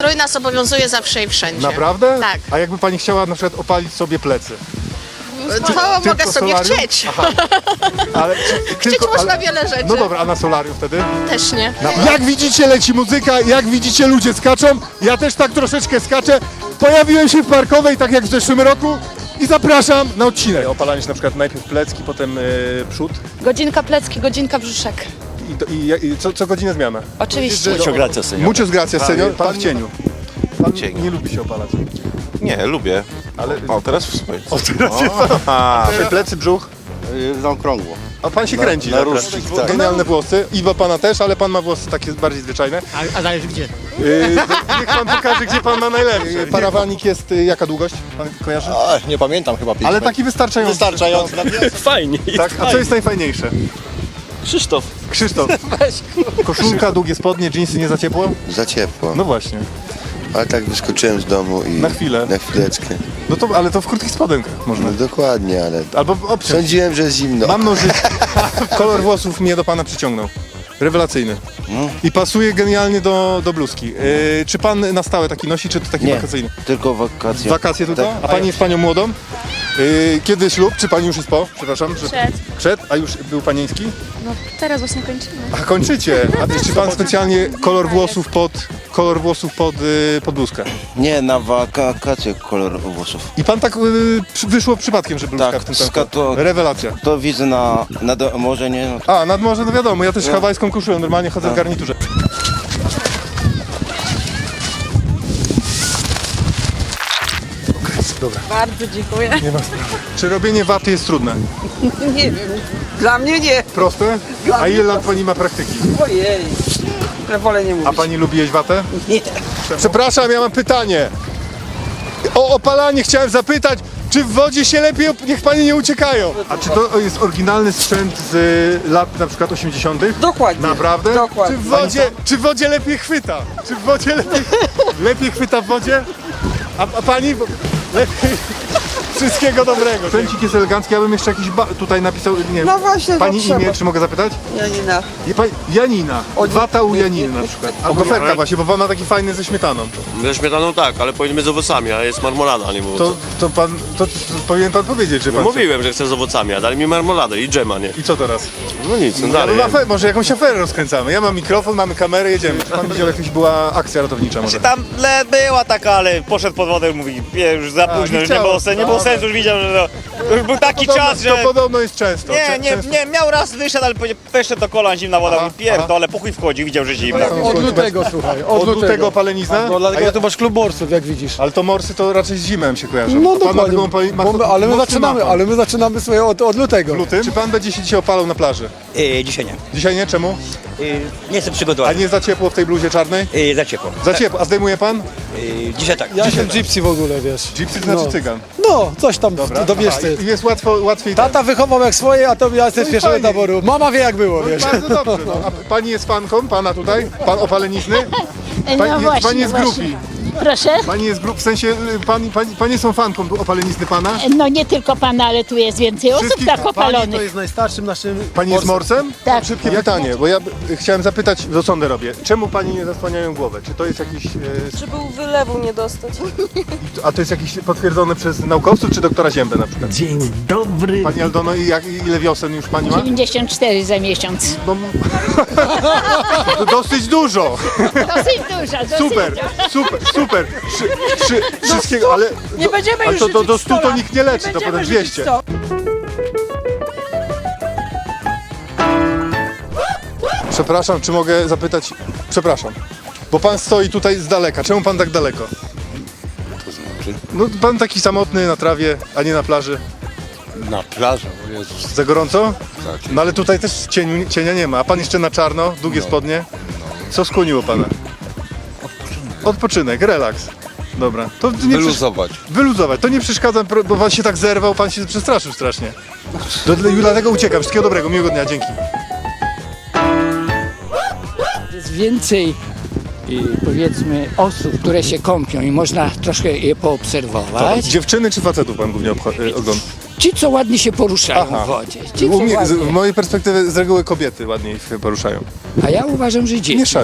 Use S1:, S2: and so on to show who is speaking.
S1: strój nas obowiązuje zawsze i wszędzie.
S2: Naprawdę?
S1: Tak.
S2: A jakby pani chciała na przykład opalić sobie plecy?
S1: To mogę sobie
S2: solarium?
S1: chcieć.
S2: Aha. Ale
S1: Chcieć można wiele rzeczy.
S2: No dobra, a na solarium wtedy?
S1: Też nie.
S2: Jak widzicie, leci muzyka, jak widzicie, ludzie skaczą. Ja też tak troszeczkę skaczę. Pojawiłem się w Parkowej, tak jak w zeszłym roku, i zapraszam na odcinek. Opalanie się na przykład najpierw plecki, potem przód.
S3: Godzinka plecki, godzinka brzuszek.
S2: I co godzinę zmiana.
S3: Oczywiście.
S4: Muchas gracias, señor.
S2: Muchas gracias, senior. Pan w cieniu. Pan
S4: cieniu.
S2: nie lubi się opalać.
S4: Nie, lubię.
S2: Ale
S4: O, teraz w swoim.
S2: teraz jest plecy, brzuch.
S4: Zaokrągło.
S2: A pan się kręci.
S4: na
S2: naprawdę.
S4: różdżki, tak.
S2: Genialne włosy. Iwa pana też, ale pan ma włosy takie bardziej zwyczajne.
S5: A zależy gdzie?
S2: Niech pan pokaże, gdzie pan ma najlepsze. Parawanik jest jaka długość? Pan kojarzy?
S4: Nie pamiętam chyba 5
S2: Ale taki wystarczający.
S4: Wystarczający.
S5: Fajnie.
S2: Tak? A co jest najfajniejsze?
S5: Krzysztof.
S2: Krzysztof. Koszulka, długie spodnie, dżinsy nie za ciepło?
S6: Za ciepło,
S2: No właśnie.
S6: ale tak wyskoczyłem z domu i...
S2: Na chwilę.
S6: Na chwileczkę.
S2: No to, ale to w krótkich spodenkach można.
S6: No dokładnie, ale...
S2: Albo obciąć.
S6: Sądziłem, że jest zimno.
S2: Mam nożyce. Kolor włosów mnie do pana przyciągnął. Rewelacyjny. I pasuje genialnie do bluzki. Czy pan na stałe taki nosi, czy to taki wakacyjny?
S7: Tylko wakacje.
S2: Wakacje tylko?
S7: Tak.
S2: A pani jest panią młodą? Kiedy ślub? Czy pani już jest po? Przepraszam. Przed? A już był panieński?
S3: No teraz właśnie kończymy.
S2: A kończycie. A czy pan specjalnie kolor włosów pod bluzkę?
S7: Nie, na wakacje kolor włosów.
S2: I pan tak wyszło przypadkiem, że bluzka
S7: Tak,
S2: w tym tempo.
S7: to-
S2: Rewelacja.
S7: To widzę na morze, nie? No to
S2: A, nad morze, no wiadomo, ja też hawajską koszulę, normalnie chodzę w garniturze. Dobra,
S3: Bardzo dziękuję.
S2: nie ma sprawy. Czy robienie waty jest trudne?
S8: Nie wiem. Dla mnie nie.
S2: Proste? A ile lat pani ma praktyki?
S8: Ojej. Ja wolę nie mówić.
S2: A pani lubi jeść watę?
S8: Nie.
S2: Przepraszam, ja mam pytanie. O opalanie chciałem zapytać, czy w wodzie się lepiej, niech pani nie uciekają. A czy to jest oryginalny sprzęt z lat na przykład 80.?
S8: Dokładnie.
S2: Naprawdę?
S8: Dokładnie.
S2: Czy w wodzie lepiej chwyta? Czy w wodzie lepiej chwyta w wodzie? A pani? Lepiej. Wszystkiego dobrego. Sprzęcik jest elegancki, ja bym jeszcze jakiś tutaj napisał, nie wiem.
S8: No właśnie, to
S2: Pani
S8: trzeba.
S2: imię, czy mogę zapytać?
S8: Janina.
S2: Janina. Wata u Janiny na przykład. Albo goferka właśnie, bo pan ma taki fajny ze śmietaną.
S9: Ze śmietaną tak, ale powinien z owocami, a jest marmolada, a nie było.
S2: To powinien pan powiedzieć, że pan...
S9: Mówiłem, że chcę z owocami, a dali mi marmoladę i dżema, nie?
S2: I co teraz?
S9: No nic, no
S2: Ja
S9: dalej.
S2: bym może jakąś aferę rozkręcamy. Ja mam mikrofon, mamy kamerę, jedziemy. Czy pan widział, jakaś była akcja ratownicza może?
S10: Tam była taka, ale poszedł pod wodę, mówi, już za późno,
S2: nie
S10: już nie
S2: chciało.
S10: było sensu, już widział, że to już był taki czas, że...
S2: To podobno jest często.
S10: Nie, miał raz wyszedł, ale wyszedł do kolan, zimna woda,
S2: Aha,
S10: mówi, pierdolę, puchuj wchodzi, widział, że zimna.
S5: Od lutego, słuchaj.
S2: Od lutego palenizna?
S5: No dlatego tu masz klub morsów, jak widzisz.
S2: Ale to morsy to raczej z zimem się kojarzą.
S5: No
S2: To pan ma
S5: dokładnie,
S2: taką
S5: ale my
S2: mocny
S5: zaczynamy,
S2: mapę.
S5: swoje od lutego.
S2: W lutym? Czy pan będzie się dzisiaj opalał na plaży?
S10: Dzisiaj nie.
S2: Dzisiaj nie? Czemu?
S10: Nie chcę
S2: A
S10: przygotować.
S2: nie za ciepło w tej bluzie czarnej?
S10: Za ciepło.
S2: Za ciepło. A zdejmuje pan?
S10: Dzisiaj tak.
S5: Ja jestem gypsy w ogóle, wiesz.
S2: Gypsy to znaczy
S5: No.
S2: cygan.
S5: No, coś tam dobierz
S2: Aha,
S5: ty.
S2: i jest łatwiej.
S5: Tata wychował jak swoje, a to ja jestem z
S2: No i
S5: pierwszego
S2: fajnie.
S5: taboru. Mama wie jak było,
S2: No i
S5: wiesz.
S2: bardzo dobrze. No. A pani jest fanką? Pana tutaj? Pan opalenizny? Pani jest grupi.
S11: Proszę?
S2: Pani jest grup, w sensie panie są fanką opalenizny pana?
S11: No nie tylko pana, ale tu jest więcej osób
S2: Wszystkich-
S11: tak opalonych.
S5: jest najstarszym naszym...
S2: Pani jest morsem?
S11: Tak.
S2: Szybkie pytanie, bo ja chciałem zapytać, do sądy robię. Czemu pani nie zasłaniają głowę? Czy to jest jakiś...
S3: Żeby wylewu nie dostać.
S2: A to jest jakiś potwierdzone przez naukowców, czy doktora Ziębę na przykład?
S5: Dzień dobry.
S2: Pani Aldono, ile wiosen już pani ma?
S11: 94 za miesiąc.
S2: No, to dosyć dużo.
S11: Dosyć dużo, dosyć
S2: Super. Wszystkiego, ale...
S8: Nie będziemy
S2: Ale
S8: już
S2: to do
S8: życzyć
S2: 100 to
S8: 100
S2: nikt nie leczy, to
S8: będziemy
S2: potem
S8: życzyć
S2: 200.
S8: 100.
S2: Przepraszam, czy mogę zapytać... Przepraszam, bo pan stoi tutaj z daleka. Czemu pan tak daleko?
S4: To znaczy?
S2: No pan taki samotny na trawie, a nie na plaży.
S4: Na plaży, o Jezus.
S2: Za gorąco?
S4: Tak.
S2: No ale tutaj też cienia nie ma, a pan jeszcze na czarno, długie spodnie. Co skłoniło pana? Odpoczynek, relaks. Dobra, to nie
S4: Wyluzować.
S2: wyluzować. To nie przeszkadza, bo pan się tak zerwał, pan się przestraszył strasznie. Dlatego uciekam. Wszystkiego dobrego, miłego dnia, dzięki.
S12: Jest więcej powiedzmy osób, które się kąpią i można troszkę je poobserwować.
S2: Dziewczyny czy facetów pan głównie ogląda?
S12: Ci, co ładnie się poruszają
S2: Aha.
S12: w wodzie. Ci, co
S2: U mnie,
S12: ładnie.
S2: w mojej perspektywy z reguły kobiety ładniej się poruszają.
S12: A ja uważam, że dzieci.
S2: Mieszają.